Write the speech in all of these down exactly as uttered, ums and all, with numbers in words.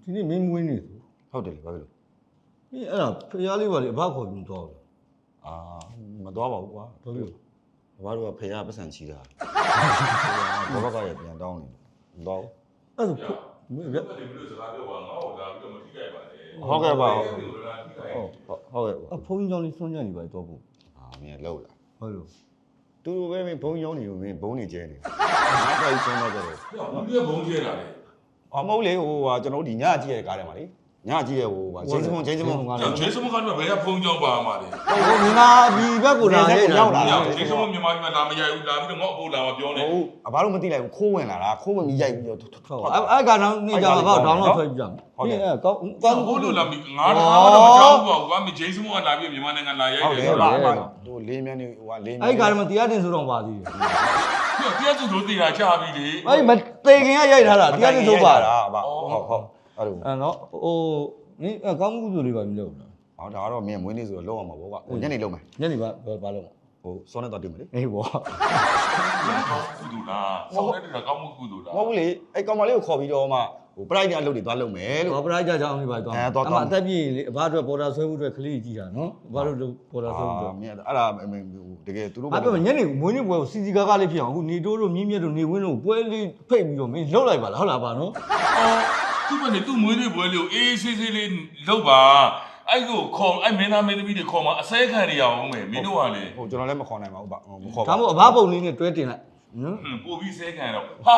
ဒီနေ့မင်းမွေးနေဆိုဟုတ်တယ်လေဘာဖြစ်လို့မင်းအဲ့ဒါဖျားလေးပါလေအဘခေါ်ပြီးတော့အာမသွားပါဘူးကွာဘာလို့ဘာတို့ကဖေရပတ်စံချီတာဘောဘကရပြန်တောင်းနေတော့အဲ့ဒါမင်းအဲ့ဒီမျိုးစကားပြောပါငါ့ကိုလာပြီးတော့မထိခိုက်ပါနဲ့ဟုတ်ကဲ့ပါဟုတ်ဟုတ်ဟုတ်ကဲ့အဖုန်းကြောင့်လေးစွန့်ကြနေပါတော့ဘူးအာမင်းလောက်လာဟုတ်လို့တူတူပဲမင်းဘုံရောင်းနေလို့မင်းဘုံနေကျဲနေငါ့ဖိုင်ဆုံးတော့ကြတယ်ဒီကဘုံကျဲတာလေအမဟုတ်လေဟိုဟာကျွန်တော်တို့ဒီညကြည့်ရတဲ့ကားထဲမှာလေညကြည့်ရဟိုဟာဂျင်းစမွန်ဂျင်းစမွန်ကလည်းဂျင်းစမွန်ကတော့ဘယ်ကဖုန်းကြောင်းပါမှာလဲဟိုမြန်မာပြည်ဘက်ကိုလာရဲ့ရောက်လာဂျင်းစမွန်မြန်မာပြည်မှာလာမရိုက်ဘူးလာပြီးတော့ငေါ့အဖို့လာမပြောနဲ့ဟုတ်အဘတို့မသိလိုက်ဘူးခိုးဝင်လာတာခိုးဝင်ပြီးရိုက်ပြီးတော့ဟုတ်အဲ့အဲ့ကတော့နေကြပါဒေါင်းလော့ဆွဲကြဟုတ်တယ်အဲ့ကောင်းကောင်းဘူးလို့လာပြီးငါတော့မကြောက်ဘူးကွာမဂျင်းစမွန်ကလာပြီးမြန်မာနိုင်ငံလာရိုက်တယ်ဟုတ်တယ်ပါဟိုလေးမြန်းနေဟိုကလေးမြန်းအဲ့ကတော့မတရားတင်ဆိုတော့ပါသေးတယ်တရားစုလို့တည်တာချပြီးလေအဲ့မတေခင်ကရိုက်ထားတာတရားတင်ဆိုပါတာအဘဟုတ်ဟုတ်အဲ့လိုအဲ့နော်ဟိုနင်းကောင်းမှုဆိုလေးပါမလုပ်လားဟောဒါကတော့မင်းမွေးနေ့ဆိုတော့လောက်အောင်ပါဗောကွာဟိုညနေလုံးမယ်ညနေပါဘာလုပ်မှာဟိုစောနဲ့တော့တွေ့မယ်လေအေးဗောကောင်းကုသိုလ်လားစောနဲ့တူတာကောင်းမှုကုသိုလ်လားမဟုတ်ဘူးလေအဲ့ကောင်မလေးကိုခေါ်ပြီးတော့မှဟိုပရိုက်တဲ့အလုပ်တွေသွားလုပ်မယ်လို့ဟောပရိုက်ကြကြောင်းလေးပါသွားအမအသက်ပြည့်လေအဘအတွက်ပေါ်တာဆွဲဖို့အတွက်ကလေးကြီးတာနော်အဘတို့ပေါ်တာဆွဲဖို့အတွက်မင်းအဲ့ဒါတကယ်သူတို့ဘာပြောညနေမွေးနေ့ပွဲကိုစီစီကားကားလေးဖြစ်အောင်အခုနေတိုးတို့မြင်းမြတ်တို့နေဝင်းတို့ပွဲလေးဖိတ်ပြီးတော့မင်းလှုပ်လိုက်ပါလားဟုတ်လားပါနော်အော်သူ့မနဲ့သူ့မွေးနေ့ပွဲလေးကိုအေးဆေးဆေးလေးလုပ်ပါအဲ့ကိုခေါ်အဲ့မင်းသားမင်းသမီးတွေခေါ်မှာအစဲခံနေရအောင်မယ်မင်းတို့ကလေဟိုကျွန်တော်လည်းမခေါ်နိုင်ပါဘူးဗျမခေါ်ပါဘူးဒါမှမဟုတ်အဘပုံလေးနဲ့တွဲတင်လိုက်နော်ပို့ပြီးစဲခံတော့ဟာ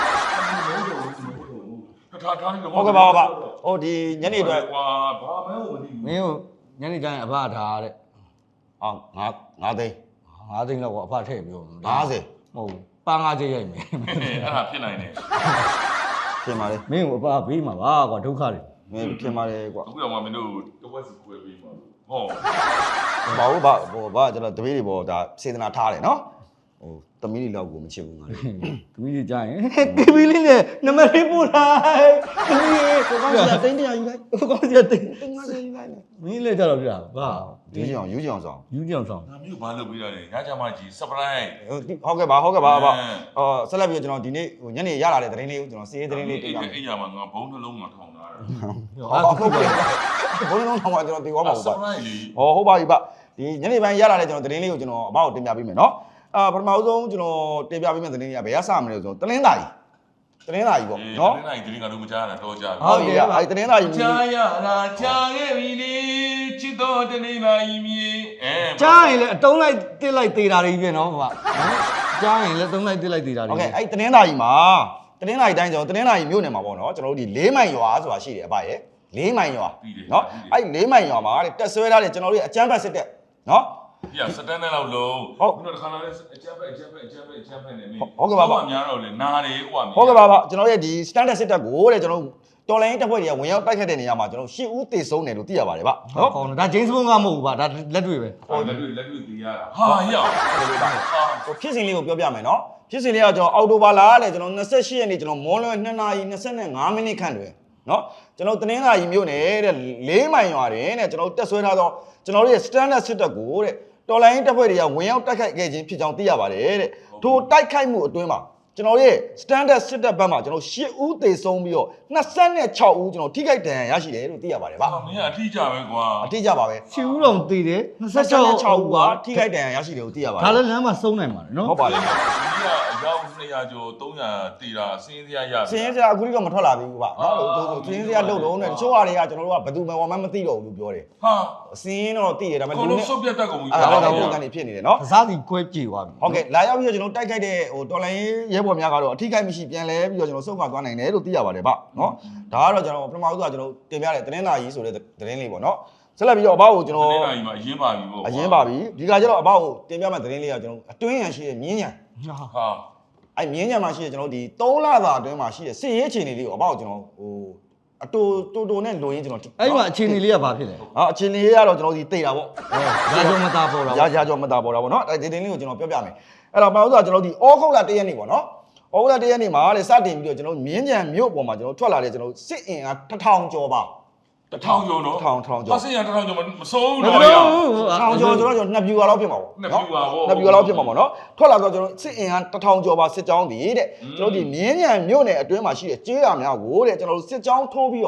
ထားထားနေတော့ဟုတ်ကဲ့ပါပါဟိုဒီညနေအတွက်ကွာဘာမှမသိဘူးမင်းညနေကျရင်အဘထားတဲ့အော်ငါငါသိန်းငါသိန်းတော့အဖထည့်ပြောငါးဆယ်မဟုတ်ပါငါးချက်ရိုက်မယ်အဲ့ဒါဖြစ်နိုင်တယ်ပြင်ပါလေမင်းကိုအဖဘေးမှာပါကွာဒုက္ခတွေမင်းပြင်ပါလေကွာအခုတော့မှမင်းတို့တဝက်စီခွဲပေးမှာဟောဘာလို့ဘာဟိုဘာကျွန်တော်တပည့်တွေပေါ်ဒါစေတနာထားတယ်နော်ဟိုသမီးတွေလောက်ကိုမချစ်ဘူးငါလေသမီးတွေကြားရင်ကေဘီလေးနဲ့နံပါတ်လေးပို့လိုက်သမီးကိုကောင်းစီတိန်းတရာယူလိုက်ကိုကောင်းစီတိန်းတိန်းငါးဆယ်ယူလိုက်မင်းလည်းကြတော့ပြတာဘာယူကြအောင်ယူကြအောင်ဆောင်ယူကြအောင်ဆောင်ဒါမျိုးဘာလုပ်ပြီးရလဲညချမကြီး surprise ဟုတ်ကဲ့ပါဟုတ်ကဲ့ပါပါအော်ဆက်လက်ပြီးကျွန်တော်ဒီနေ့ဟိုညနေရလာတဲ့သတင်းလေးကိုကျွန်တော်စီးရေးသတင်းလေးတင်ပြမယ်အဲ့ရမှာငါဘုံနှလုံးမှာထောင်ထားတာဟုတ်ကဲ့ဘုံနှလုံးထောင်မှာကျွန်တော်တင်သွားမှာဟုတ်ပါဟောဟုတ်ပါပြီဗျဒီညနေပိုင်းရလာတဲ့ကျွန်တော်သတင်းလေးကိုကျွန်တော်အဘောက်တင်ပြပေးမယ်နော်အာပထမဆုံးကျွန်တော်တင်ပြပေးမယ့်သတင်းလေးကဘယ်ကစမလဲဆိုတော့တလင်းသားကြီးတလင်းသားကြီးပေါ့နော်တလင်းသားကြီးသတင်းကတော့မကြားရတာတော့ကြားပြီဟုတ်ကဲ့အဲ့တလင်းသားကြီးကြားရလားကြားခဲ့ပြီလေချစ်တော်တလင်းသားကြီးမြေအဲကြားရင်လည်းအတုံးလိုက်တစ်လိုက်သေးတာတွေပြည့်နော်ဗျာကြားရင်လည်းတုံးလိုက်တစ်လိုက်သေးတာတွေဟုတ်ကဲ့အဲ့တလင်းသားကြီးမှာတလင်းသားကြီးတိုင်းကျွန်တော်တလင်းသားကြီးမြို့နယ်မှာပေါ့နော်ကျွန်တော်တို့ဒီလေးမိုင်ရွာဆိုတာရှိတယ်အဖရဲ့လေးမိုင်ရွာနော်အဲ့လေးမိုင်ရွာမှာတက်ဆွဲထားတယ်ကျွန်တော်တို့အကျန်းဖတ်စစ်တဲ့နော်ပြစတန်နဲ့လောက်လုံးဟုတ်ပြီးတော့တစ်ခါလာလဲအချက်ပဲအချက်ပဲအချက်ပဲအချက်ပဲနေနေဟုတ်ကဲ့ပါပါများတော့လေနားတယ်ဟိုကဟုတ်ကဲ့ပါပါကျွန်တော်ရဲ့ဒီ standard စစ်တပ်ကိုတဲ့ကျွန်တော်တော်လိုင်းတပ်ဖွဲ့တွေကဝင်ရောက်တိုက်ခတ်တဲ့နေရာမှာကျွန်တော်ရှစ်ဦးသေဆုံးတယ်လို့သိရပါတယ်ဗျနော်ဟုတ်ဒါဂျိမ်းစ်ဘွန်ကမဟုတ်ဘူးဗျဒါလက်တွေ့ပဲဟုတ်လက်တွေ့လက်တွေ့သိရတာဟာရောက်ဟိုဖြစ်စဉ်လေးကိုပြောပြမယ်နော်ဖြစ်စဉ်လေးကကျွန်တော်အော်တိုဘာလာလေကျွန်တော်ยี่สิบแปดရက်နေ့ကျွန်တော်မော်လွယ်နှစ်နာရီยี่สิบห้าမိနစ်ခန့်တွင်နော်ကျွန်တော်တနင်္လာရီမြို့နယ်တဲ့လေးမိုင်ရွာတွင်တဲ့ကျွန်တော်တက်ဆွဲထားသောကျွန်တော်ရဲ့ standard စစ်တပ်ကိုတဲ့တော်လိုင်းတပ်ဖွဲ့တွေကဝင်ရောက်တိုက်ခိုက်ခဲ့ခြင်းဖြစ်ကြောင်းသိရပါတယ်တဲ့ထိုတိုက်ခိုက်မှုအတွင်းမှာကျွန်တော်ရဲ့ standard စစ်တပ်ဘက်မှာကျွန်တော်ရှစ်ဦးသေဆုံးပြီးတော့ยี่สิบหกဦးကျွန်တော်ထိခိုက်ဒဏ်ရာရရှိတယ်လို့သိရပါတယ်ဗျာမင်းကအထီးကြပဲကွာအထီးကြပါပဲရှစ်ဦးတော့သေတယ်ยี่สิบหกဦးကထိခိုက်ဒဏ်ရာရရှိတယ်လို့သိရပါတယ်ဒါလည်းလမ်းမှာစုံနိုင်ပါတယ်နော်ဟုတ်ပါတယ်ဒီကအယောက်နှစ်ရာကျော်သုံးရာတေတာစင်းစရာရစင်းစရာအခုထိတော့မထွက်လာသေးဘူးဗျာနော်စင်းစရာလှုပ်လုံးနဲ့တချို့ဟာတွေကကျွန်တော်တို့ကဘယ်သူမှမသိတော့ဘူးလို့ပြောတယ်ဟာစင်းတော့သိတယ်ဒါပေမဲ့လူနဲ့ဆုတ်ပြတ်တတ်ကုန်ပြီအဲ့ဒါတော့ပုံစံနေဖြစ်နေတယ်နော်ကစားစီကွဲပြေသွားပြီဟုတ်ကဲ့လာရောက်ပြီးတော့ကျွန်တော်တိုက်ခိုက်တဲ့ဟိုတော်လိုင်းရဲဘော်များကတော့အထိခိုက်မရှိပြန်လဲပြီးတော့ကျွန်တော်ဆုတ်ခွာသွားနိုင်တယ်လို့သိရပါတယ်ဗျနော်ဒါကတော့ကျွန်တော်ပထမဦးဆုံးကကျွန်တော်တင်ပြတဲ့သတင်းစာကြီးဆိုတဲ့သတင်းလေးပေါ့နော်ဆက်လက်ပြီးတော့အဘောက်ကိုကျွန်တော်သတင်းစာကြီးမှာအရင်ပါပြီပေါ့အရင်ပါပြီဒီကကျတော့အဘောက်ကိုတင်ပြမဲ့သတင်းလေးကကျွန်တော်အတွင်းရန်ရှိတဲ့မြင်းညံဟာအဲ့မြင်းညံမှာရှိတဲ့ကျွန်တော်ဒီသုံးလသာအတွင်းမှာရှိတဲ့စစ်ရေးအခြေအနေလေးကိုအဘောက်ကျွန်တော်ဟိုအတူတူတူနဲ့လိုရင်းကျွန်တော်အဲ့မှာအခြေအနေလေးကဘာဖြစ်လဲဟာအခြေအနေလေးကတော့ကျွန်တော်ဒီတိတ်တာပေါ့ရာကျော်မတာပေါ်တာရာရာကျော်မတာပေါ်တာပေါ့နော်အဲ့ဒီတင်းလေးကိုကျွန်တော်ပြောပြမယ်အဲ့တော့ဘာလို့ဆိုတော့ကျွန်တော်ဒီဩဂုတ်လတစ်ရက်နေ့ပေါ့နော်ဩဂုတ်လတစ်ရက်နေ့မှာလေစတင်ပြီးတော့ကျွန်တော်မြင်းကြံမြို့ပေါ်မှာကျွန်တော်ထွက်လာတဲ့ကျွန်တော်စစ်အင်အားတစ်ထောင်ကျော်ပါတစ်ထောင်ကျော်နော်တစ်ထောင်တစ်ထောင်ကျော်အစစ်ရတစ်ထောင်ကျော်မစိုးတော့ရတစ်ထောင်ကျော်ဆိုတော့ကျွန်တော်နှစ်ပြူပါလောက်ဖြစ်မှာပေါ့နှစ်ပြူပါပေါ့နှစ်ပြူပါလောက်ဖြစ်မှာပေါ့နော်ထွက်လာတော့ကျွန်တော်စစ်အင်အားတစ်ထောင်ကျော်ပါစစ်ကြောင်းတည်တဲ့ကျွန်တော်ဒီမြင်းကြံမြို့နယ်အတွင်းမှာရှိတဲ့ကျေးရွာများကိုတဲ့ကျွန်တော်တို့စစ်ကြောင်းထိုးပြီးတော့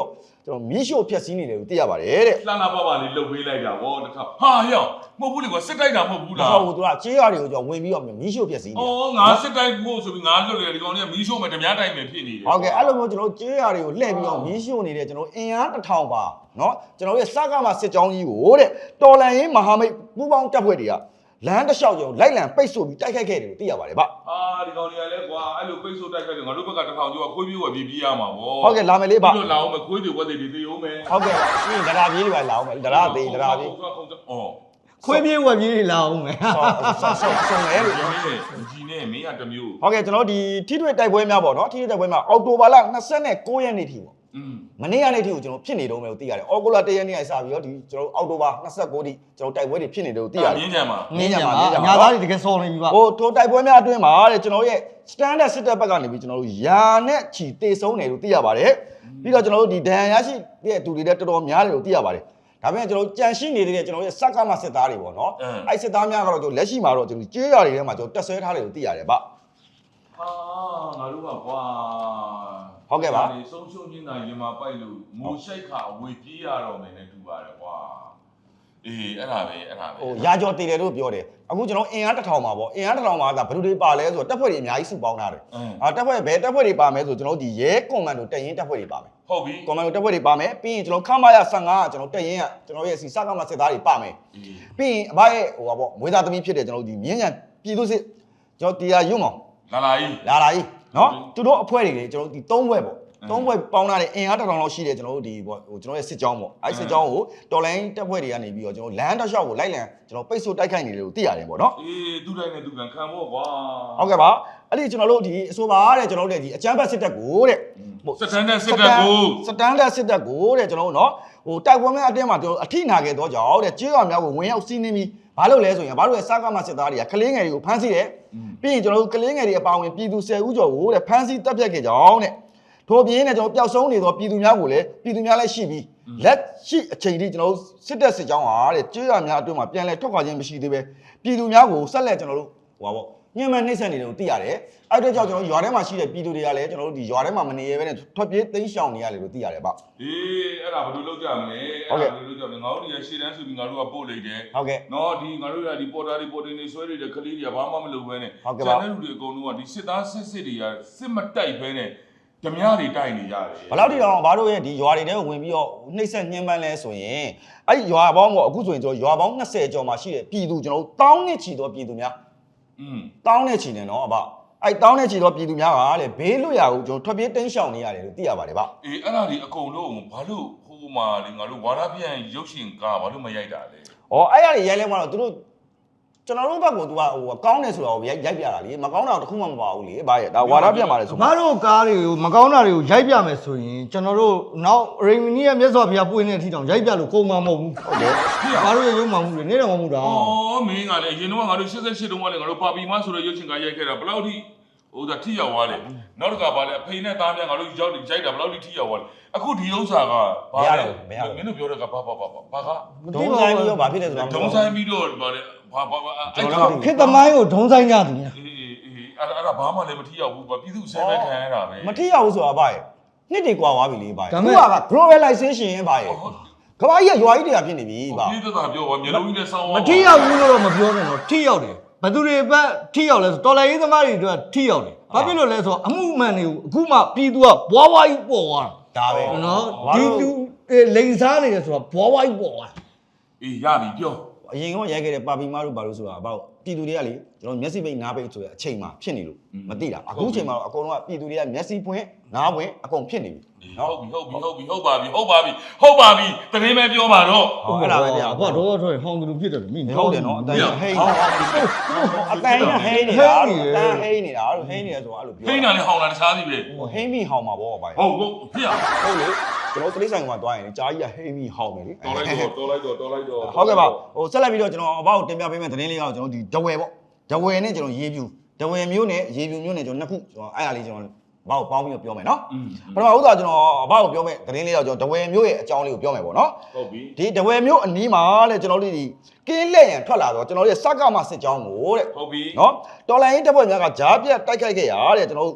ကျွန်တော်မီးရှို့ဖျက်ဆီးနေတယ်လို့သိရပါတယ်တဲ့လှလှပပလေးလှုပ်ပေးလိုက်တာဗောတခါဟာဟျောမဟုတ်ဘူးလေကွာစစ်တိုက်တာမဟုတ်ဘူးလားဟိုသူကကြေးရွာတွေကိုကျွန်တော်ဝင်ပြီးတော့မီးရှို့ဖျက်ဆီးနေတယ်အော်ငါစစ်တိုက်ဖို့ဆိုပြီးငါလွတ်တယ်ဒီကောင်တွေကမီးရှို့မယ်ဓမြတိုက်မယ်ဖြစ်နေတယ်ဟုတ်ကဲ့အဲ့လိုမျိုးကျွန်တော်ကြေးရွာတွေကိုလှည့်ပြီးတော့မီးရှို့နေတဲ့ကျွန်တော်အင်အားတစ်ထောင်ပါနော်ကျွန်တော်ရဲ့စကားမှာစစ်ကြောင်းကြီးကိုတဲ့တော်လန်ရေးမဟာမိတ်ပူးပေါင်းတပ်ဖွဲ့တွေကလမ်းတစ်လျှောက်ကျုံလိုက်လံပိတ်ဆို့ပြီးတိုက်ခိုက်ခဲ့တယ်လို့သိရပါတယ်ဗျအာဒီကောင်တွေကလည်းကွာအဲ့လိုပိတ်ဆို့တိုက်ခိုက်တယ်ငါတို့ဘက်ကတစ်ထောင်ကျော်ခွေးပြေးဝယ်ပြေးပြေးရမှာဗောဟုတ်ကဲ့လာမယ်လေးဗျပြီးတော့လာအောင်မယ်ခွေးတွေဝက်တွေတေးအောင်မယ်ဟုတ်ကဲ့ပြီးရင်ဒရာပြေးတွေပါလာအောင်မယ်ဒရာသေးဒရာပြေးအော်ခွေးပြေးဝက်ပြေးလာအောင်မယ်ဆော့ဆော့ဆော့လဲလို့ဒီမင်းကြီးနဲ့မင်းကတမျိုးဟုတ်ကဲ့ကျွန်တော်ဒီထိတွေ့တိုက်ပွဲများပေါ့နော်ထိတွေ့တိုက်ပွဲမှာအောက်တိုဘာလ၂၉ရက်နေ့ထိပေါ့อืมမနေ့ကနေ့ထိကိုကျွန်တော်ဖြစ်နေတော့မယ်လို့သိရတယ်အော်ဂိုလာ၁ရက်နေ့ကစပြီးတော့ဒီကျွန်တော်အောက်တိုဘာ၂၉ထိကျွန်တော်တိုက်ပွဲတွေဖြစ်နေတယ်လို့သိရတယ်မြင်းကြံမှာငင်းကြပါညာသားတွေတကယ်စော်နေပြီပါဟိုထိုတိုက်ပွဲများအတွင်းမှာတဲ့ကျွန်တော်ရဲ့ standard စစ်တပ်ဘက်ကနေပြီးကျွန်တော်တို့ယာနဲ့ချီတေဆုံးတယ်လို့သိရပါတယ်ပြီးတော့ကျွန်တော်တို့ဒီဒဏ်ရာရရှိတဲ့သူတွေလည်းတော်တော်များတယ်လို့သိရပါတယ်ဒါပေမဲ့ကျွန်တော်တို့ကြံရှိနေတဲ့ကျွန်တော်ရဲ့စက္ကမစစ်သားတွေပေါ့နော်အဲ့စစ်သားများကတော့ကျွန်တော်လက်ရှိမှာတော့ကျွန်တော်ကြေးရွာတွေထဲမှာကျွန်တော်တက်ဆွဲထားတယ်လို့သိရတယ်ဗျဟာငါတို့ကကွာဟုတ်ကဲ့ပါဒီဆုံးရှုံးခြင်းသာရင်မှာပိုက်လို့မိုးရှိုက်ခါအဝေပြေးရတော့မယ်နဲ့တူပါတယ်ကွာအေးအဲ့ဒါပဲအဲ့ဒါပဲဟိုရာကျော်တည်တယ်လို့ပြောတယ်အခုကျွန်တော်အင်အားတစ်ထောင်ပါပေါ့အင်အားတစ်ထောင်ပါကဘယ်လိုတွေပါလဲဆိုတော့တပ်ဖွဲ့တွေအများကြီးစုပေါင်းထားတယ်အာတပ်ဖွဲ့ဘယ်တပ်ဖွဲ့တွေပါမဲဆိုကျွန်တော်ဒီရဲကွန်မန်ဒိုတပ်ရင်းတပ်ဖွဲ့တွေပါမယ်ဟုတ်ပြီကွန်မန်ဒိုတပ်ဖွဲ့တွေပါမယ်ပြီးရင်ကျွန်တော်ခမရ၁၅ကကျွန်တော်တပ်ရင်းကကျွန်တော်ရဲ့စီစကမစစ်သားတွေပါမယ်ပြီးရင်အဘရဲ့ဟိုပါပေါ့မွေးသားသမီးဖြစ်တဲ့ကျွန်တော်ဒီမြင်းညံပြည်သူစစ်ကျွန်တော်တရားရုံမောင်လာလာကြီးလာလာကြီးနော်သူတို့အဖွဲ့တွေလေကျွန်တော်ဒီ၃ဘွဲ့ပေါ့သုံးဘွဲ့ပေါင်းထားတဲ့အင်အားတစ်ထောင်လောက်ရှိတယ်ကျွန်တော်တို့ဒီပေါ့ဟိုကျွန်တော်ရဲ့စစ်ကြောင်းပေါ့အဲစစ်ကြောင်းကိုတော်လိုင်းတပ်ဖွဲ့တွေကနေပြီးတော့ကျွန်တော်လမ်းတစ်လျှောက်ကိုလိုက်လံကျွန်တော်ပိတ်ဆို့တိုက်ခိုက်နေတယ်လို့သိရတယ်ပေါ့နော်အေးသူ့တိုင်းနဲ့သူကန်ခံဖို့ကွာဟုတ်ကဲ့ပါအဲ့ဒီကျွန်တော်တို့ဒီအဆိုပါတဲ့ကျွန်တော်တို့ဒီအချမ်းဘတ်စစ်တပ်ကိုတဲ့စတန်ဒတ်စစ်တပ်ကိုစတန်ဒတ်စစ်တပ်ကိုတဲ့ကျွန်တော်တို့နော်ဟိုတိုက်ပွဲမဲ့အတင်းမှာကျွန်တော်အထိနာခဲ့တော့ကြောင်းတဲ့ကြေးရွာများကိုဝင်ရောက်စီးနှင်းပြီးဘာလို့လဲဆိုရင်ဘာလို့လဲစားကမစစ်သားတွေကကလေးငယ်တွေကိုဖမ်းဆီးတယ်ပြီးရင်ကျွန်တော်တို့ကလေးငယ်တွေအပါအဝင်ပြည်သူ၁၀ဦးကျော်ကိုတဲ့ဖမ်းဆီးတပ်ဖြတ်ခဲ့ကြောင်းတဲ့ထို့ပြင်နဲ့ကျွန်တော်ပျောက်ဆုံးနေသောပြည်သူများကိုလည်းပြည်သူများလည်းရှိပြီးလက်ရှိအချိန်ထိကျွန်တော်တို့စစ်တပ်စစ်ကြောင်းဟာတဲ့ကြေးရွာများအတွင်းမှာပြန်လဲထွက်ခွာခြင်းမရှိသေးပဲပြည်သူများကိုဆက်လက်ကျွန်တော်တို့ဟိုပါပေါ့ညှဉ်းပန်းနှိပ်စက်နေတယ်လို့သိရတယ်အဲ့အတွက်ကြောင့်ကျွန်တော်ရွာထဲမှာရှိတဲ့ပြည်သူတွေကလည်းကျွန်တော်တို့ဒီရွာထဲမှာမနေရဘဲနဲ့ထွက်ပြေးသိမ်းရှောင်နေရတယ်လို့သိရတယ်ဗျအေးအဲ့ဒါဘယ်လိုလုပ်ကြမလဲအဲ့ဒါဘယ်လိုလုပ်ကြမလဲငါတို့ဒီရှေ့တန်းဆိုပြီးငါတို့ကပို့လိုက်တယ်ဟုတ်ကဲ့နော်ဒီငါတို့ကဒီပေါ်တာဒီပေါ်တင်နေဆွဲနေတဲ့ကလေးတွေကဘာမှမလုပ်ဘဲနဲ့ဟုတ်ကဲ့ပါကျန်တဲ့လူတွေအကုန်လုံးကဒီစစ်သားစစ်စစ်တွေကစစ်မတိုက်ဘဲနဲ့ဓမြတွေတိုက်နေကြတယ်ဘယ်လောက်ထိတော့ဘာလို့ရဲ့ဒီရွာတွေထဲကိုဝင်ပြီးတော့နှိပ်စက်ညှဉ်းပန်းလဲဆိုရင်အဲ့ဒီရွာပေါင်းပေါ့အခုဆိုရင်ကျွန်တော်ရွာပေါင်း၂၀ကျော်မှာရှိတဲ့ပြည်သူကျွန်တော်တို့တောင်းနဲ့ချီတော့ပြည်သူများอืมတောင်းနဲ့ချီနေနော်အဘအဲ့တောင်းနဲ့ချီတော့ပြည်သူများကလေဘေးလွတ်ရာကိုကျွန်တော်ထွက်ပြေးတင်းရှောင်နေရတယ်လို့သိရပါတယ်ဗျအေးအဲ့ဒါဒီအကုန်လုံးဘာလို့ဟိုမှာလေငါတို့ဝါရပြန်ရုပ်ရှင်ကားဘာလို့မရိုက်တာလဲဩအဲ့ရတွေရိုက်လဲမှတော့သူတို့ကျွန်တော်တို့ဘက်ကသူကဟိုကောင်းတယ်ဆိုတော့ရိုက်ရိုက်ပြတာလေမကောင်းတာတခုမှမပါဘူးလေဗျရဲ့ဒါဝါဒပြတ်ပါလေဆိုဘာတို့ကားတွေကိုမကောင်းတာတွေကိုရိုက်ပြမယ်ဆိုရင်ကျွန်တော်တို့နောက်ရိမီနီရဲ့မျက်စောဖျားပွင့်တဲ့အထိတောင်ရိုက်ပြလို့ကုန်မှာမဟုတ်ဘူးဟုတ်တယ်ဘာတို့ရဲ့ရုံမှမဟုတ်ဘူးနေတော့မဟုတ်တာအော်မင်းကလည်းအရင်တော့ငါတို့၈၈တုန်းကလည်းငါတို့ပါပီမဆိုတဲ့ရုပ်ရှင်ကားရိုက်ခဲ့တာဘယ်လောက်ထိဟိုဒါထိရောက်သွားလဲနောက်တစ်ခါပါလဲအဖေနဲ့သားများငါတို့ရောက်ရိုက်တာဘယ်လောက်ထိထိရောက်သွားလဲအခုဒီဥစ္စာကဘာလဲမင်းတို့ပြောတဲ့ကဘာဘာဘာဘာကဒုံဆိုင်ပြီးတော့ဘာဖြစ်လဲဆိုတော့ဒုံဆိုင်ပြီးတော့ဗါလေဘာဘာအဲ့ဒါခေတ်သမိုင်းကိုဒုံဆိုင်ကြသူများအေးအေးအဲ့ဒါအဲ့ဒါဘာမှလည်းမထိရောက်ဘူးဗျပြည်သူဆဲပဲခံရတာပဲမထိရဘူးဆိုတာဗျရဲ့နှစ်တွေကွာသွားပြီလေဗျရဲ့ခုက globalization ဗျရဲ့ကဘာကြီးကရွာကြီးတွေကဖြစ်နေပြီဗျပြည်သူကပြောပါမျိုးလုံးကြီးနဲ့ဆောင်းမထိရောက်ဘူးလို့တော့မပြောနဲ့တော့ထိရောက်တယ်ဘသူတွေဘက်ထိရောက်လဲဆိုတော်လိုင်းရေးသမားတွေအတွက်ထိရောက်တယ်ဘာဖြစ်လို့လဲဆိုတော့အမှုမှန်တွေကိုအခုမှပြည်သူကဘွားဘွားကြီးပေါ်သွားတာဒါပဲနော်ဒီလူလိန်စားနေတယ်ဆိုတော့ဘွားဘွားကြီးပေါ်သွားတာအေးရပြီပြောအရင်ကရိုက်ခဲ့တဲ့ပါပီမားတို့ဘာလို့ဆိုတာဘာလို့ပြည်သူတွေကလေကျွန်တော်မျက်စိပိတ်နားပိတ်ဆိုတဲ့အချိန်မှာဖြစ်နေလို့မသိတာအခုချိန်မှာတော့အကုန်လုံးကပြည်သူတွေကမျက်စိပွင့်နားပွင့်အကုန်ဖြစ်နေပြီဟုတ်ပြီဟုတ်ပြီဟုတ်ပြီဟုတ်ပါပြီဟုတ်ပါပြီဟုတ်ပါပြီတရင်ပဲပြောပါတော့ဟုတ်အဲ့ဒါပဲဗျာအဖွားတော့တော့ဟောင်းသူလူဖြစ်တယ်မိဟုတ်တယ်နော်အတန်ဟိန်းအတန်ဟိန်းနေတာအတန်ဟိန်းနေတာအဲ့လိုဟိန်းနေတယ်ဆိုတာအဲ့လိုပြောဟိန်းတာနဲ့ဟောင်းတာတခြားစီပဲဟိန်းပြီးဟောင်းမှာပေါ့ဗျာဟုတ်ဟုတ်ဖြစ်ရဟုတ်လေကျွန်တော်တလိဆိုင်ကမှသွားရင်ကြားကြီးကဟိန်းပြီးဟောင်းမယ်လေတော်လိုက်တော့တော်လိုက်တော့တော်လိုက်တော့ဟုတ်ကဲ့ပါဟိုဆက်လက်ပြီးတော့ကျွန်တော်အဘောက်တင်ပြပေးမယ့်သတင်းလေးကတော့ကျွန်တော်ဒီဒဝဲပေါ့ဒဝဲနဲ့ကျွန်တော်ရေးပြူဒဝဲမျိုးနဲ့ရေးပြူမျိုးနဲ့ကျွန်တော်နှစ်ခုကျွန်တော်အဲ့ဒါလေးကျွန်တော်ဘာကိုပေါင်းပြီးတော့ပြောမယ်နော်ပထမဦးစွာကျွန်တော်ဘာကိုပြောမယ်သတင်းလေးတော့ကျွန်တော်ဒဝဲမျိုးရဲ့အကြောင်းလေးကိုပြောမယ်ပေါ့နော်ဟုတ်ပြီဒီဒဝဲမျိုးအနီးမှာတဲ့ကျွန်တော်တို့ဒီကင်းလက်ရန်ထွက်လာတော့ကျွန်တော်တို့ရဲ့စကမစစ်ကြောင်းကိုတဲ့ဟုတ်ပြီနော်တော်လိုင်းရေးတပ်ဖွဲ့များကဂျားပြတ်တိုက်ခိုက်ခဲ့ရတဲ့ကျွန်တော်တို့ဟ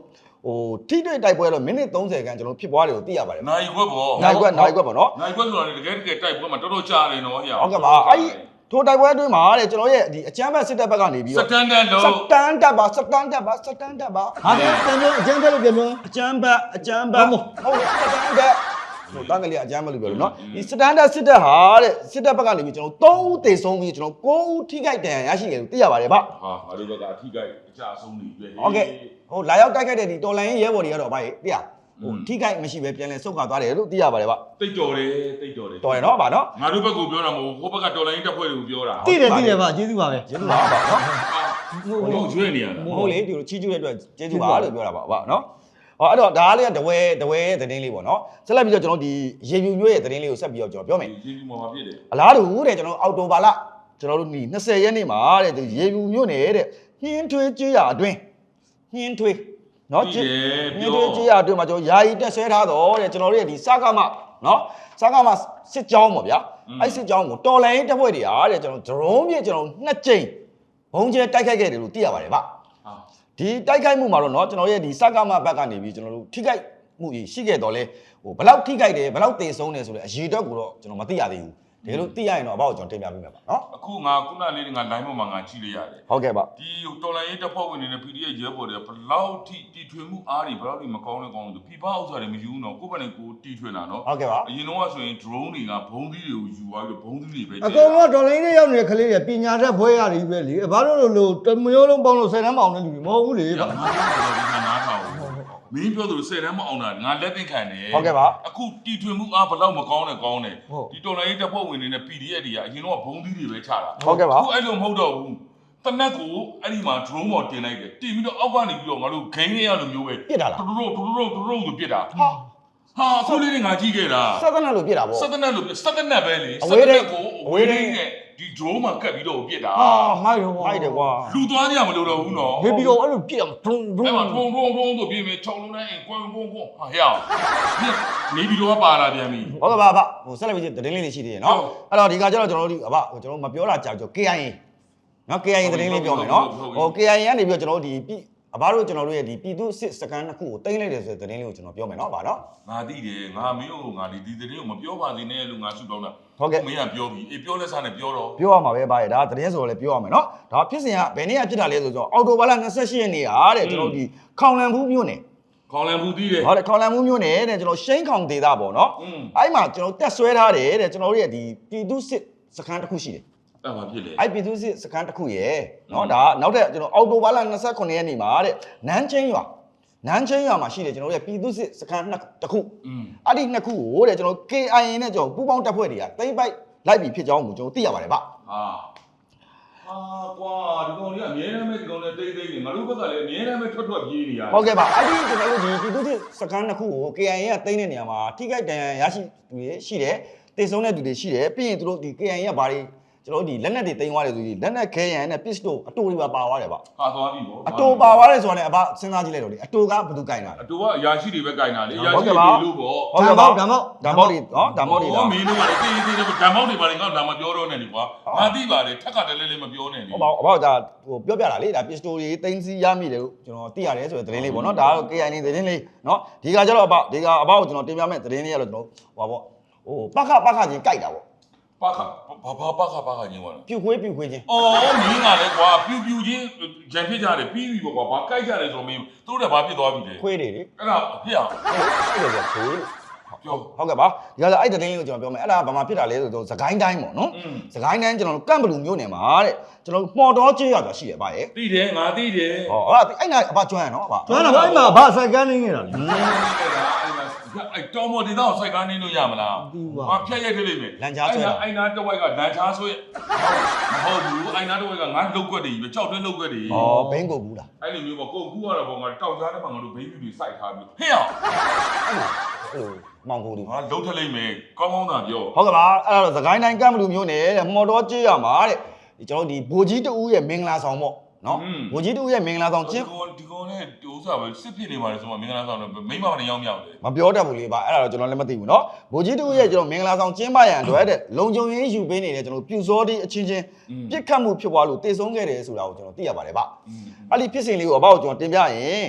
ဟိုထိတွေ့တိုက်ပွဲတော့မိနစ်30ခန်းကျွန်တော်ဖြစ်ပွားတယ်ကိုသိရပါတယ်နိုင်ခွက်ပေါ့နိုင်ခွက်နိုင်ခွက်ပေါ့နော်နိုင်ခွက်ဆိုတာတကယ်တကယ်တိုက်ပွဲမှာတော်တော်ကြာနေတော့ဟဲ့ဟုတ်ကဲ့ပါအဲ့ထိုတိုက်ပွဲအတွင်းမှာတဲ့ကျွန်တော်ရဲ့ဒီအချမ်းဘက်စစ်တပ်ဘက်ကနေပြီးစတော့တန်ဒတ်လို့စတန်ဒတ်ပါစတန်ဒတ်ပါစတန်ဒတ်ပါဟာပြန်ပြောအကျန်းဖက်လို့ပြန်ပြောအချမ်းဘက်အချမ်းဘက်ဟုတ်စတန်ဒတ်ဟိုတန်းကလေးအချမ်းဘက်လို့ပြောလို့နော်ဒီစတန်ဒတ်စစ်တပ်ဟာတဲ့စစ်တပ်ဘက်ကနေပြီးကျွန်တော်၃ဦးတေဆုံးပြီးကျွန်တော်၉ဦးထိခိုက်ဒဏ်ရာရရှိတယ်လို့သိရပါတယ်ဗျဟာငါတို့ဘက်ကအထိကိုက်အကြအဆုံးနေပြီဟုတ်ကဲ့ဟိုလာရောက်တိုက်ခိုက်တဲ့ဒီတော်လိုင်းရဲဘော်တွေကတော့ဗျသိရဟိုထိခိုက်မရှိပဲပြန်လဲဆုတ်ခွာသွားတယ်လို့သိရပါတယ်ဗျတိတ်တော်တယ်တိတ်တော်တယ်တော်ရနော်ဗျနော်ငါတို့ဘက်ကိုပြောတာမဟုတ်ဟိုဘက်ကတော်လိုင်းတက်ဖွဲ့တွေကိုပြောတာတိတယ်တိတယ်ပါကျေးဇူးပါပဲကျေးဇူးပါဗျနော်ဘလို့ကျွေးနေရတာမဟုတ်လေဒီလိုချီးကျူးတဲ့အတွက်ကျေးဇူးပါလို့ပြောတာပါဗျနော်ဟောအဲ့တော့ဒါလေးကတဝဲတဝဲသတင်းလေးပေါ့နော်ဆက်လက်ပြီးတော့ကျွန်တော်ဒီရေပြူညွှဲရဲ့သတင်းလေးကိုဆက်ပြီးတော့ကျွန်တော်ပြောမယ်ကျေးဇူးမှာဖြစ်တယ်အလားတူတဲ့ကျွန်တော်အော်တိုဘာလကျွန်တော်တို့ဒီ20ရက်နေ့မှာတဲ့ဒီရေပြူညွှဲနေတဲ့ဟင်းထွေးကြေးရအတွင်းဟင်းထွေးနော်ဟင်းထွေးကြေးရအတွင်းမှာကျွန်တော်ယာယီတက်ဆွဲထားတော့တဲ့ကျွန်တော်တို့ရဲ့ဒီစကားမနော်စကားမစစ်ကြောင်းပေါ့ဗျာအဲ့စစ်ကြောင်းကိုတော်လိုင်းတက်ဖွဲ့တွေဟာတဲ့ကျွန်တော်ဒရုန်းမြေကျွန်တော်နှစ်ကြိမ်ဘုံကျဲတိုက်ခိုက်ခဲ့တယ်လို့သိရပါတယ်ဗျ ဒီတိုက်ခိုက်မှုမှာတော့เนาะကျွန်တော်ရဲ့ဒီစကားမဘက်ကနေပြီးကျွန်တော်တို့ထိခိုက်မှုကြီးရှိခဲ့တော့လဲဟိုဘယ်လောက်ထိခိုက်တယ်ဘယ်လောက်တေဆုံးတယ်ဆိုတဲ့အရေးတော့ကိုတော့ကျွန်တော်မသိရသေးဘူးတကယ်လို့သိရရင်တော့အဘောက်ကျွန်တော်တင်ပြပေးမယ်ပါเนาะအခုငါခုနလေးငါ line ပေါ်မှာငါကြည့်လိုက်ရတယ်ဟုတ်ကဲ့ပါဒီတော်လိုင်းရေးတပ်ဖွဲ့ဝင်တွေနဲ့ ပီ ဒီ အက်ဖ် ရဲဘော်တွေဘလောက်ထိတီထွင်မှုအားတွေဘလောက်ထိမကောင်းလဲကောင်းလို့ဖိဖားဥစ္စာတွေမယူဘူးနော်ကိုယ့်ဘက်နဲ့ကိုတီထွင်တာနော်ဟုတ်ကဲ့ပါအရင်တော့ဆိုရင် drone တွေကဘုံသီးတွေကိုယူသွားပြီးဘုံသီးတွေပဲအကုန်လုံးဒေါ်လာရင်းရောက်နေတဲ့ကလေးတွေပညာတတ်ဖွဲရတယ်ပဲလေဘာလို့လို့လို့တမျိုးလုံးပေါင်းလို့ဆယ်တန်းပေါင်းတဲ့လူတွေမဟုတ်ဘူးလေဗျငါတို့နားထောင်မင်းပြောသလိုဆယ်တန်းမအောင်တာငါလက်သိခံတယ်ဟုတ်ကဲ့ပါအခုတီထွင်မှုအားဘလောက်မကောင်းနဲ့ကောင်းတယ်ဒီတော်လိုင်းရေးတပ်ဖွဲ့ဝင်တွေနဲ့ ပီ ဒီ အက်ဖ် တွေကအရင်တော့ဘုံသီးတွေပဲချတာဟုတ်ကဲ့ပါအခုအဲ့လိုမဟုတ်တော့ဘူးတနက်ကိုအဲ့ဒီမှာ drone ပေါ်တင်လိုက်တယ်တင်ပြီးတော့အောက်ကနေပြီးတော့ငါတို့ဂိမ်းလေးရလိုမျိုးပဲပြစ်တာလားဒရိုဒရိုဒရိုဆိုပြစ်တာဟာဟာအခုလေးတွေငါကြည့်ခဲ့တာစက်တနက်လို့ပြစ်တာဗောစက်တနက်လို့ပြစက်တနက်ပဲလေအဝေးထိန်းကိုအအဝေးဝေးထိထိန်းန်းနဲ့ဒီ drone မှာကတ်ပြီးတော့ပြစ်တာဟာမိုက်ရောမိုက်တယ်ကွာလူသွားကြမလို့တော့ဘူးနော်ဟေးပြီးတော့အဲ့လိုပြည့်အောင်ဒုံဒုံအဲ့မှာထုံထုံထုံဆိုပြင်းပြီးခြုံလုံးနဲ့အိမ်ကွန်းကွန်းကွန်းဟာဟဲ့အောင်နေပြီးတော့ပါလာပြန်ပြီဟုတ်ကဲ့ပါဗျဟိုဆက်လက်ပြီးသတင်းလေးတွေရှိသေးတယ်เนาะအဲ့တော့ဒီကကျတော့ကျွန်တော်တို့ဒီအဘကျွန်တော်မပြောတာကြာကြော ကေ အိုင် အေ เนาะ ကေ အိုင် အေ သတင်းလေးပြောမယ်เนาะဟို ကေ အိုင် အေ ကနေပြီးတော့ကျွန်တော်တို့ဒီအဘတို့ကျွန်တော်တို့ရဲ့ဒီပြည်သူစစ်စကန်တစ်ခုကိုတင်လိုက်တယ်ဆိုတဲ့သတင်းလေးကိုကျွန်တော်ပြောမယ်เนาะဗျာเนาะငါသိတယ်ငါမင်းကိုငါဒီဒီသတင်းကိုမပြောပါသေးနဲ့လို့ငါဆုတောင်းတာဟုတ်ကဲ့မင်းကပြောပြီအေးပြောလက်စားနဲ့ပြောတော့ပြောရမှာပဲဗျာဒါသတင်းဆိုတော့လည်းပြောရမယ်เนาะဒါဖြစ်စဉ်ကဘယ်နေ့ကဖြစ်တာလဲဆိုတော့အော်တိုဘာလ28ရက်နေ့ဟာတဲ့ကျွန်တော်တို့ဒီခေါင်လန်ဘူးမြို့နယ်ခေါင်းလန်ဘူးတီးတယ်ဟုတ်တယ်ခေါင်လန်ဘူးမြို့နယ်တဲ့ကျွန်တော်ရှိန်းခေါင်ဒေသပေါ့เนาะอืมအဲ့မှာကျွန်တော်တက်ဆွဲထားတယ်တဲ့ကျွန်တော်တို့ရဲ့ဒီပြည်သူစစ်စကန်တစ်ခုရှိတယ်အဲ့မှာဖြစ်လေအဲ့ပြည်သူစစ်စကန်တစ်ခုရယ်เนาะဒါနောက်ထပ်ကျွန်တော်အော်တိုဘာလ29ရက်နေ့မှာတဲ့နန်းချင်းရွာနန်းချင်းရွာမှာရှိတယ်ကျွန်တော်တို့ရဲ့ပြည်သူစစ်စကန်နှစ်တစ်ခုอืมအဲ့ဒီနှစ်ခုကိုတဲ့ကျွန်တော် ကေ အိုင် အေ နဲ့ကျွန်တော်ပူးပေါင်းတပ်ဖွဲ့တွေကတိမ့်ပိုက်လိုက်ပြီးဖြစ်ကြောင်းကိုကျွန်တော်သိရပါတယ်ဗျဟာဟာကွာဒီကောင်ကြီးကအမြဲတမ်းပဲဒီကောင်နဲ့တိတ်တိတ်နေငါတို့ဘက်ကလည်းအမြဲတမ်းပဲထွက်ထွက်ပြေးနေရတယ်ဟုတ်ကဲ့ပါအဲ့ဒီကျွန်တော်တို့ဒီပြည်သူစစ်စကန်နှစ်ခုကို ကေ အိုင် အေ ကတိမ့်တဲ့နေရာမှာထိခိုက်ဒဏ်ရာရရှိသူတွေရှိတယ်တေဆုံးတဲ့သူတွေရှိတယ်ပြီးရင်သူတို့ဒီ ကေ အိုင် အေ ကဘာတွေကျွန်တော်တို့ဒီလက်နက်တွေတိမ့်သွားတယ်ဆိုပြီးလက်နက်ခဲရန်နဲ့ pistol အတူတွေပါပါသွားတယ်ဗျဟာသွားပြီပေါ့အတူပါသွားတယ်ဆိုတာလည်းအဘစဉ်းစားကြည့်လိုက်တော့လေအတူကဘယ်သူကင်တာလဲအတူကအရာရှိတွေပဲကြိုင်တာလေအရာဟုတ်ရှိကဲ့ပါတွေလို့ပေါ့ဟုတ်ကဲ့ပါဓာတ်မောက်ဓာတ်မောက်တွေနော်ဓာတ်မောက်တွေလားမင်းတို့ကလည်းတေးတေးတေးဓာတ်မောက်တွေပါလေငါဒါမှပြောတော့နေလေကွာငါသိပါလေထက်ကတည်းလေးလေးမပြောနဲ့လေဟုတ်ပါဘူးအဘဒါဟိုပြောပြတာလေဒါ pistol တွေတင်းစီရမိတယ်လို့ကျွန်တော်သိရတယ်ဆိုတဲ့သတင်းလေးပေါ့နော်ဒါကတော့ ကေ အိုင် အေ သတင်းလေးနော်ဒီကကျတော့အဘဒီကအဘကိုကျွန်တော်တင်ပြမယ့်သတင်းလေးကတော့ကျွန်တော်ဟိုပါပေါ့ဟိုပခပခချင်းကြိုက်တာပေါ့ပါခဘာဘာပါခပါခညင်းသွားတာပြူခွေးပြူခွေးချင်းအော်မင်းကလည်းကွာပြူပြူချင်းဂျန်ဖြစ်ကြတယ်ပြီးပြီပေါ့ကွာဘာကြိုက်ကြတယ်ဆိုမင်းတို့လည်းဘာဖြစ်သွားပြီလဲခွေးတွေလေအဲ့ဒါဖြစ်အောင်အဲ့ဒါဆိုခွေးလို့ပြောဟုတ်ကဲ့ပါဒီကကျအဲ့သတင်းလေးကိုကျွန်တော်ပြောမယ်အဲ့ဒါဘာမှဖြစ်တာလဲဆိုတော့စကိုင်းတိုင်းပေါ့နော်อืมစကိုင်းတိုင်းကျွန်တော်တို့ကန့်ဘလူမျိုးနယ်မှာတဲ့ကျွန်တော်မှော်တော်ကျေးရွာဆိုတာရှိတယ်ဗျရဲ့သိတယ်ငါသိတယ်ဟောအဲ့အဲ့နာအဘကျွမ်းရနော်အဘကျွမ်းတော့အဲ့မှာဘာဆိုင်ကန်းနေနေတာလဲအဲ့တော်မော်ဒီတော့စိုက်ကားနေလို့ရမလားဟာဖြတ်ရိုက်ထည့်လိုက်မယ်အိုင်နာတဝိုက်ကလန်ချားဆွဲမဟုတ်ဘူးအိုင်နာတဝိုက်ကငါလုတ်ကွက်တွေကြီးပဲကြောက်တွင်းလုတ်ကွက်တွေဩဘိန်းကိုဘူးလားအဲ့လိုမျိုးပေါ့ကိုကူကတော့ပေါ့ငါတောက်ကြားတဲ့မှာငါတို့ဘိန်းပြူတွေစိုက်ထားပြီးဟဲ့အောင်အဲ့လိုအဲ့လိုမောင်ကိုလူငါလုတ်ထလိုက်မယ်ကောင်းကောင်းသာပြောဟုတ်ကဲ့ပါအဲ့ဒါတော့သခိုင်းတိုင်းကမ်ဘလူမျိုးနဲ့တဲ့မှော်တော်ကျေးရမှာတဲ့ဒီကျွန်တော်ဒီဘိုကြီးတူရဲ့မင်္ဂလာဆောင်ပေါ့နော်ဘိုကြီးတူရဲ့မင်္ဂလာဆောင်ကျဒီင်းကောင်ဒီကောင်နဲ့ဒိုးစားပဲစစ်ဖြစ်နေပါလေဆိုမှမင်္ဂလာဆောင်တော့မိမနဲ့ရောက်မြောက်တယ်မပြောတတ်ဘူးလေပါအဲ့ဒါတော့ကျွန်တော်လည်းမသိဘူးနော်ဘိုကြီးတူရဲ့ကျွန်တော်မင်္ဂလာဆောင်ကျင်းပရန်အတွက်တဲ့လုံခြုံရေးယူပေးနေတဲ့ကျွန်တော်ပြူစောတိအချင်းချင်းပြစ်ခတ်မှုဖြစ်သွားလို့တေဆုံးခဲ့တယ်ဆိုတာကိုကျွန်တော်သိရပါတယ်ဗျအဲ့ဒီဖြစ်စဉ်လေးကိုအဘောက်ကျွန်တော်တင်ပြရင်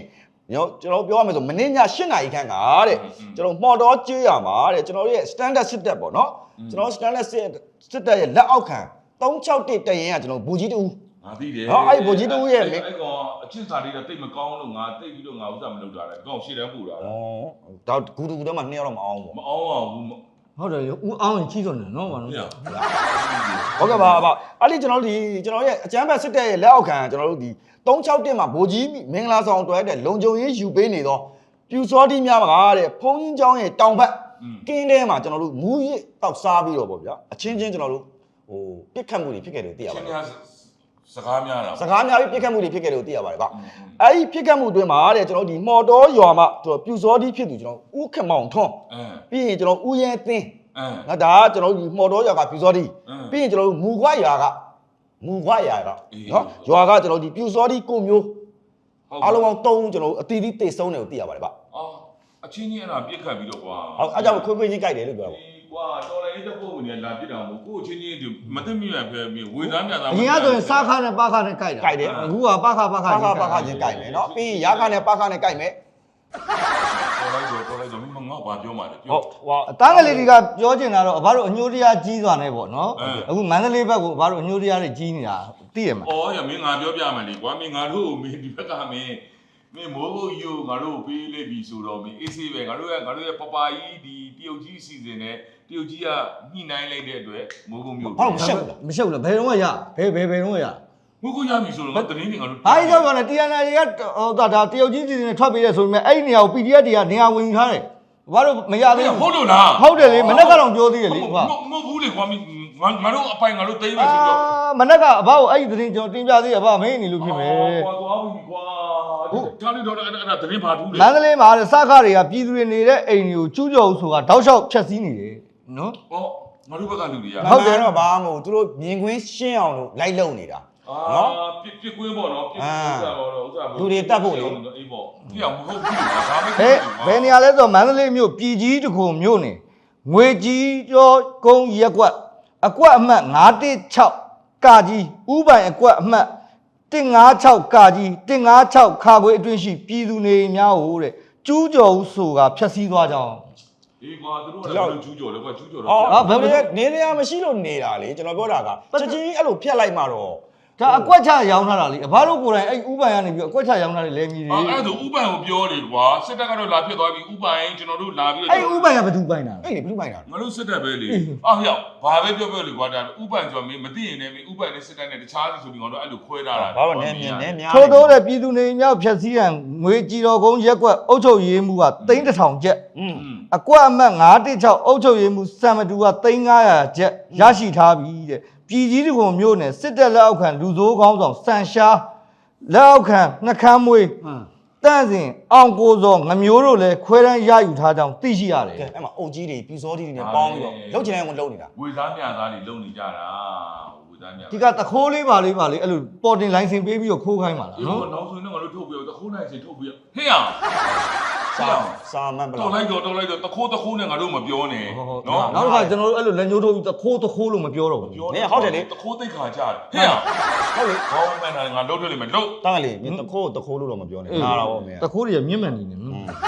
နော်ကျွန်တော်ပြောရမယ်ဆိုမင်းည၈နာရီခန့်ကတဲ့ကျွန်တော်မော်တော်ကြေးရမှာတဲ့ကျွန်တော်ရဲ့ standard စစ်တပ်ပေါ့နော်ကျွန်တော် standard စစ်စစ်တပ်ရဲ့လက်အောက်ခံ၃၆၁တရင်ကကျွန်တော်ဘူကြီးတူငါသိတယ်ဟောအဲ့ဘူကြီးတူရဲ့အဲ့ကောင်အချစ်စာလေးတော့တိတ်မကောင်းလို့ငါတိတ်ပြီးတော့ငါဥစ္စာမလုပ်တာလေကောင်ရှေ့တန်းပူတာဩဒါဂူတူတော့မှနှစ်ယောက်တော့မအောင်ဘူးမအောင်အောင်ဘူးဟုတ်တယ်ဦးအောင်ရင်ကြီးစွန်တယ်နော်ဘာလို့ဟုတ်ကဲ့ပါပါအဲ့ဒီကျွန်တော်တို့ဒီကျွန်တော်ရဲ့အကျန်းဘက်စစ်တပ်ရဲ့လက်အောက်ခံကျွန်တော်တို့ဒီ၃၆၁မှာဘူကြီးမင်္ဂလာဆောင်တွဲတဲ့လုံခြုံရေးယူပေးနေတော့ပြူစောတိများပါတဲ့ဖုန်းကြီးเจ้าရဲ့တောင်ဘက်ကင်းထဲမှာကျွန်တော်တို့မူးရစ်တောက်စားပြီးတော့ပေါ့ဗျာအချင်းချင်းကျွန်တော်တို့ဟိုပြစ်ခတ်မှုတွေဖြစ်ခဲ့တယ်သိရပါတယ်စကားများတာစကားများပြီးပြစ်ခတ်မှုတွေဖြစ်ခဲ့တယ်သိရပါတယ်ဗျအဲ့ဒီပြစ်ခတ်မှုအတွင်းမှာတဲ့ကျွန်တော်ဒီမော်တော်ရွာမှာကျွန်တော်ပြူစောတိဖြစ်သူကျွန်တော်ဦးခမောင်ထွန်းပြီးရင်ကျွန်တော်ဦးရဲသင်းငါဒါကကျွန်တော်ဒီမော်တော်ရွာကပြူစောတိပြီးရင်ကျွန်တော်မူခွာရွာကမူခွာရွာကနော်ရွာကကျွန်တော်ဒီပြူစောတိကိုမျိုးအားလုံးပေါင်း၃ဦးကျွန်တော်အတီးတီးတိတ်ဆုံးတယ်ကိုသိရပါတယ်ဗျအော်အချင်းချင်းအဲ့ဒါပြစ်ခတ်ပြီးတော့ကွာဟုတ်အဲ့ကြောင့်ခွေးခွေးချင်းကြိုက်တယ်လို့ပြောတာပေါ့ကွာတော်လည်းတစ်ပုတ်ဝင်လာပြစ်တာမဟုတ်ကိုချင်းချင်းဒီမသိမြတ်ဖဲပြီးဝေသားမြတ်သားအရင်ကဆိုရင်စားခါနဲ့ပါခါနဲ့ကြိုက်တာအခုကပါခါပါခါပါခါပါခါချင်းကြိုက်မယ်နော်ပြီးရင်ရာခါနဲ့ပါခါနဲ့ကြိုက်မယ်တော်လိုက်တော့တော်လိုက်တော့မငေါ့ဘာပြောမှလဲပြောဟုတ်ဟောအသားကလေးတွေကပြောချင်တာတော့အဘတို့အညိုတရားကြီးစွာနဲ့ပေါ့နော်အခုမန္တလေးဘက်ကိုအဘတို့အညိုတရားတွေကြီးနေတာသိရမှာအော်ရမင်းငါပြောပြမယ်လေကွာမင်းငါတို့မင်းဒီဘက်ကမင်းမင်းမိုးဘုတ်ယူငါတို့ပေးလိုက်ပြီဆိုတော့မင်းအေးဆေးပဲငါတို့ရဲ့ငါတို့ရဲ့ပပါကြီးဒီတရုတ်ကြီးစီစဉ်နေတရုတ်ကြီးကညှိနှိုင်းလိုက်တဲ့အတွက်မိုးဘုတ်မျိုးဘာလို့မရှက်ဘူးလားမရှုပ်လားဘယ်တော့မှရဘယ်ဘယ်ဘယ်တော့မှရမိုးကိုရပြီဆိုတော့ငါတင်းနေငါတို့အားကြီးတော့ကတီအန်အိုင်ကဟိုဒါဒါတရုတ်ကြီးစီစဉ်ထွက်ပေးတယ်ဆိုပေမဲ့အဲ့ဒီနေရာကို ပီ ဒီ အက်ဖ် တွေကနေရာဝင်ယူထားတယ်ဘာလို့မရသေးဘူးဟုတ်လို့လားဟုတ်တယ်လေမနေ့ကတော့ပြောသေးတယ်လေဟုတ်မဟုတ်ဘူးလေကွာမင်းငါငါတို့အပိုင်ငါတို့သိမ်းမယ်ဆိုတော့မနေ့ကအဘကိုအဲ့ဒီသတင်းကျွန်တော်တင်ပြသေးတယ်အဘမင်းနေလို့ဖြစ်မယ်ကွာသွားပြီကွာဒါလေးတော့အဲ့ဒါတင်းပါဘူးလေမန္တလေးမှာစကားတွေကပြည်သူတွေနေတဲ့အိမ်တွေကိုကျူးကျော်ဆိုတာတောက်လျှောက်ဖြတ်စည်းနေတယ်နော်ဟောငါတို့ဘက်ကလူတွေကဟုတ်တယ်တော့ဘာမှမဟုတ်သူတို့မြင်ကွင်းရှင်းအောင်လို့လိုက်လုံနေတာအာပြစ်ပြစ်ကွင်းပေါ့နော်ပြစ်ကွင်းတာပေါ့နော်ဥစ္စာအေးပေါ့ပြအောင်မဟုတ်ဘူးဒါမှမဘယ်ဘယ်နေရာလဲဆိုတော့မန္တလေးမြို့ပြည်ကြီးတခုမြို့နေငွေကြီးကျော်ကုန်းရက်ကွက်အကွက်အမှတ်၅၁၆ကာကြီးဥပိုင်အကွက်အမှတ်၁၅၆ကာကြီး၁၅၆ခါခွေအတွင်းရှိပြည်သူနေများဟိုတဲ့ကျူးကျော်ဟုဆိုတာဖြတ်စည်းသွားကြအောင်အေးကွာသူတို့ကလည်းကျူးကျော်လေကွာကျူးကျော်တော့အော်ဘယ်လိုလဲနေနေရမရှိလို့နေတာလေကျွန်တော်ပြောတာကချက်ချင်းအဲ့လိုဖြတ်လိုက်မှတော့ဒါအကွက်ချရောင်းထားတာလေအဘတို့ကိုယ်တိုင်အဲ့ဥပိုင်ကနေပြီးအကွက်ချရောင်းထားတယ်လဲမြည်တယ်အဲ့ဒါဆိုဥပန်ကိုပြောလေကွာစစ်တပ်ကတော့လာဖြစ်သွားပြီဥပန်ကျွန်တော်တို့လာပြီးအဲ့ဥပိုင်ကဘယ်သူပိုင်တာအဲ့လေဘယ်လိုပိုင်တာငါတို့စစ်တပ်ပဲလေအော်ဟျောက်ဘာပဲပြောပြောလေကွာဒါဥပန်ဆိုမင်းမသိရင်လည်းမင်းဥပန်နဲ့စစ်တပ်နဲ့တခြားစီဆိုပြီးငါတို့အဲ့လိုခွဲထားတာဘာလို့နေမြင်နေများထို့သောတဲ့ပြည်သူနေမြောက်ဖြတ်စည်းရန်ငွေကြည်တော်ကုန်းရက်ကွက်အုပ်ချုပ်ရေးမှုကသိန်းတစ်ထောင်ကျပ်อืมအကွက်အမှတ်၅၁၆အုပ်ချုပ်ရေးမှုစံမတူကသိန်း၅ရာကျပ်ရရှိထားပြီတဲ့ပြည်ကြီးတကုံမြို့နယ်စစ်တပ်လက်အောက်ခံလူစိုးကောင်းဆောင်စံရှားလက်အောက်ခံနှခမ်းမွေးတန့်စင်အောင်ကိုစောငမျိုးတို့လည်းခွဲတန်းရယူထားကြောင်းသိရှိရတယ်ကဲအဲ့မှာအုတ်ကြီးတွေပြူစောကြီးတွေနဲ့ပေါင်းပြီးတော့လှုပ်ချင်တယ်ကိုလှုပ်နေတာဝေသားမြသားတွေလုံနေကြတာဝေသားမြဒီကတခိုးလေးပါလေးပါလေးအဲ့လိုပေါ်တင်လိုင်စင်ပေးပြီးတော့ခိုးခိုင်းပါလားဒီနော်တော့နောက်ဆိုရင်တော့ငါတို့ထုတ်ပြီးတော့တခိုးနိုင်စီထုတ်ပြီးဟေ့အောင်စာစာမန်ပတော်လားလိုက်တော့တော်လိုက်တော့တခိုးတခိုးနဲ့ငါတို့မပြောနဲ့နော်နောက်တစ်ခါကျွန်တော်တို့အဲ့လိုလက်ညှိုးထိုးပြီးတခိုးတခိုးလို့မပြောတော့ဘူးတခိုးသိခါကြတယ်ဟဲ့အောင်ဟုတ်လေဘောင်းမန်တာငါလှုပ်ထွက်လိမ့်မယ်လှုပ်တားလေမင်းတခိုးတခိုးလို့တော့မပြောနဲ့နားတော့ဗောမင်းတခိုးတွေကမြင့်မှန်နေတယ်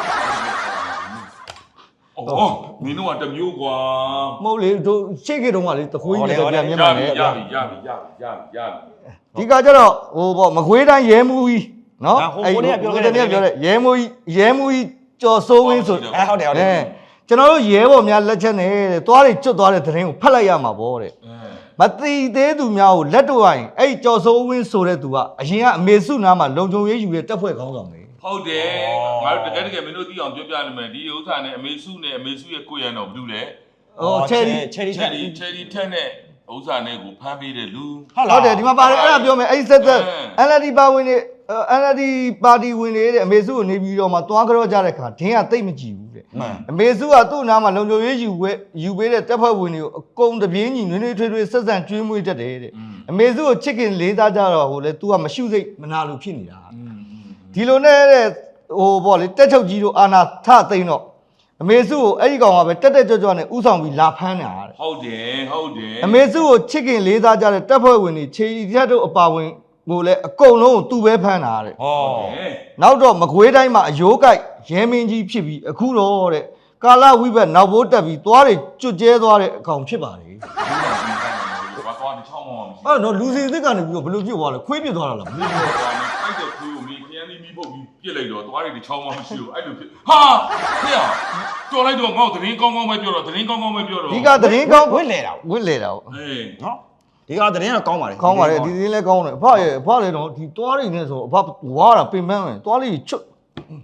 အော်မင်းတို့ကတမျိုးကွာမဟုတ်လေတို့ရှေ့ကေတုန်းကလေတခိုးကြီးတွေပြန်မြင့်မှန်နေရပြီရပြီရပြီရပြီရပြီဒီကကျတော့ဟိုပေါ့မကွေးတိုင်းရဲမှုကြီးနော်ရဲမှုကြီးရဲမှုကြီးကျော်စိုးဝင်းဆိုအဲဟုတ်တယ်ဟုတ်တယ်ကျွန်တော်တို့ရဲဘော်များလက်ချက်နဲ့သွားတွေကျွတ်သွားတဲ့သတင်းကိုဖတ်လိုက်ရမှာပေါ့တဲ့မတိသေးသူများကိုလက်တော့ရင်အဲ့ကျော်စိုးဝင်းဆိုတဲ့သူကအရင်ကအမေစုနားမှာလုံခြုံရေးယူတဲ့တပ်ဖွဲ့ခေါင်းဆောင်ပဲဟုတ်တယ်ငါတို့တကယ်တကယ်မင်းတို့သိအောင်ပြောပြလိမ့်မယ်ဒီဥစ္စာနဲ့အမေစုနဲ့အမေစုရဲ့ကိုရံတော်ဘယ်လိုလဲဟိုချယ်ရီချယ်ရီချယ်ရီချယ်ရီထက်နဲ့ဥစ္စာနဲ့ကိုဖမ်းပေးတဲ့လူဟုတ်တယ်ဒီမှာပါတယ်အဲ့ဒါပြောမယ်အဲ့ဒီဆက်သက် အန် အယ် ဒီ ပါဝင်နေ အန် အယ် ဒီ ပါတီဝင်နေတဲ့အမေစုကိုနေပြီးတော့မှသွားကြောကြတဲ့ခါဒင်းကတိတ်မကြည့်ဘူးတဲ့အမေစုကသူ့နားမှာလုံခြုံရေးယူဝဲယူပေးတဲ့တပ်ဖွဲ့ဝင်တွေကိုအကုန်တပြေးညီနွေးနွေးထွေးထွေးဆက်ဆံကျွေးမွေးတတ်တယ်တဲ့အမေစုကိုချစ်ခင်လေးစားကြတော့ဟိုလေ तू ကမရှုစိတ်မနာလို့ဖြစ်နေတာဒီလိုနဲ့တဲ့ဟိုပေါ့လေတက်ချုပ်ကြီးတို့အာနာထသိမ့်တော့အမေစုကိုအဲ့ဒီကောင်ကပဲတက်တက်ကြွကြွနဲ့ဥဆောင်ပြီးလာဖမ်းတာတဲ့ဟုတ်တယ်ဟုတ်တယ်အမေစုကိုချစ်ခင်လေးစားကြတဲ့တပ်ဖွဲ့ဝင်တွေခြေရီတက်တို့အပါဝင်ဟိုလေအကုန်လုံးကိုသူ့ပဲဖမ်းတာတဲ့ဟောနောက်တော့မကွေးတိုင်းမှာအယိုးကိုက်ရဲမင်းကြီးဖြစ်ပြီးအခုတော့တဲ့ကာလဝိဘတ်နောက်ဘိုးတက်ပြီးသွားတွေကျွတ်ကျဲသွားတဲ့အကောင်ဖြစ်ပါလေဘာသွားဒီချောင်းမောင်းမရှိအဲ့တော့လူစီစစ်ကနေပြီးတော့ဘယ်လိုဖြစ်သွားလဲခွေးပြစ်သွားတာလားဘူးအဲ့တဲ့ခွေးကိုမင်းခရမ်းလေးမိဖို့ပြီးပြစ်လိုက်တော့သွားတွေဒီချောင်းမောင်းမရှိဘူးအဲ့လိုဖြစ်ဟာဖေရတော်လိုက်တော့ငေါ့သတင်းကောင်းကောင်းပဲပြောတော့သတင်းကောင်းကောင်းပဲပြောတော့ဒီကသတင်းကောင်းဝစ်လေတာဝစ်လေတာဟုတ်အေးနော်ဒီကသတင်းကကောင်းပါလေကောင်းပါတယ်ဒီသတင်းလည်းကောင်းတယ်အဖရဲ့အဖလည်းတော့ဒီသွားတွေနဲ့ဆိုအဖဝါတာပင်ပန်းမယ်သွားလေးချွတ်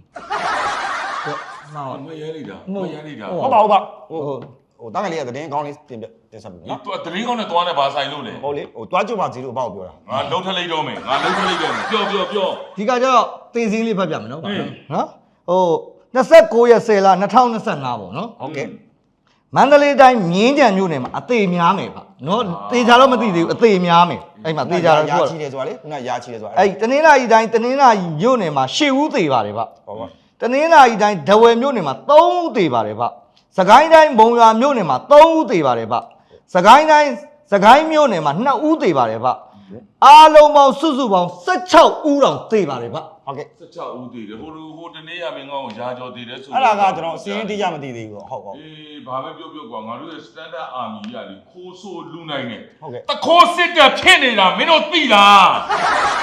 မရဲလိုက်တာမရဲလိုက်တာဟုတ်ပါဟုတ်ပါဟိုဟုတ်ဟိုတားငယ်လေးကသတင်းကောင်းလေးတင်ပြတင်ဆက်ပြီဒီနော်တော့သတင်းကောင်းနဲ့သွားနေဘာဆိုင်လို့လဲဟုတ်လေဟိုတွားကြပါစီလို့အပေါ့ပြောတာငါလှုပ်ထလိုက်တော့မယ်ငါလှုပ်ထလိုက်တော့မယ်ပြောပြောပြောဒီကကျတော့တင်စင်းလေးဖတ်ပြမယ်နော်ဟင်းနော်ဟို29ရက်10လ2025ပေါ့နော်ဟုတ်ကဲ့မန္တလေးတိုင်းမြင်းကြံမြို့နယ်မှာအသေးများမယ်ဗျနော်တေချာတော့မသိသေးဘူးအသေးများမယ်အဲ့မှာတေချာတော့ရာသူကချီတယ်ဆိုတာလေခုနရာချီတယ်ဆိုတာအဲ့တနင်္လာရီတိုင်းတနင်္လာရီမြို့နယ်မှာရှစ်ဦးသေးပါတယ်ဗျဟုတ်ပါတနင်္လာရီတိုင်းဒဝယ်မြို့နယ်မှာသုံးဦးသေးပါတယ်ဗျစကိုင်းတိုင်းဘုံရွာမြို့နယ်မှာသုံးဦးသေးပါတယ်ဗျစကိုင်းတိုင်းစကိုင်းမြို့နယ်မှာနှစ်ဦးသေးပါတယ်ဗျအားလုံးပေါင်းစုစုပေါင်း16ဦးတောင်သေးပါတယ်ဗျဟုတ်ကဲ့စက်ချဦးတည်တယ်ဟိုလူဟိုတနေ့ရမင်းကောင်းကိုရာကြော်တည်တယ်ဆိုအဲ့ဒါကကျွန်တော်အစင်းတိကျမသိသေးဘူးဟုတ်ဟုတ်အေးဘာပဲပြောပြောကွာငါတို့ရဲ့ standard army ရလေခိုးဆိုးလူနိုင်နေဟုတ်ကဲ့တခိုးစစ်တပ်ဖြစ်နေတာမင်းတို့သိလား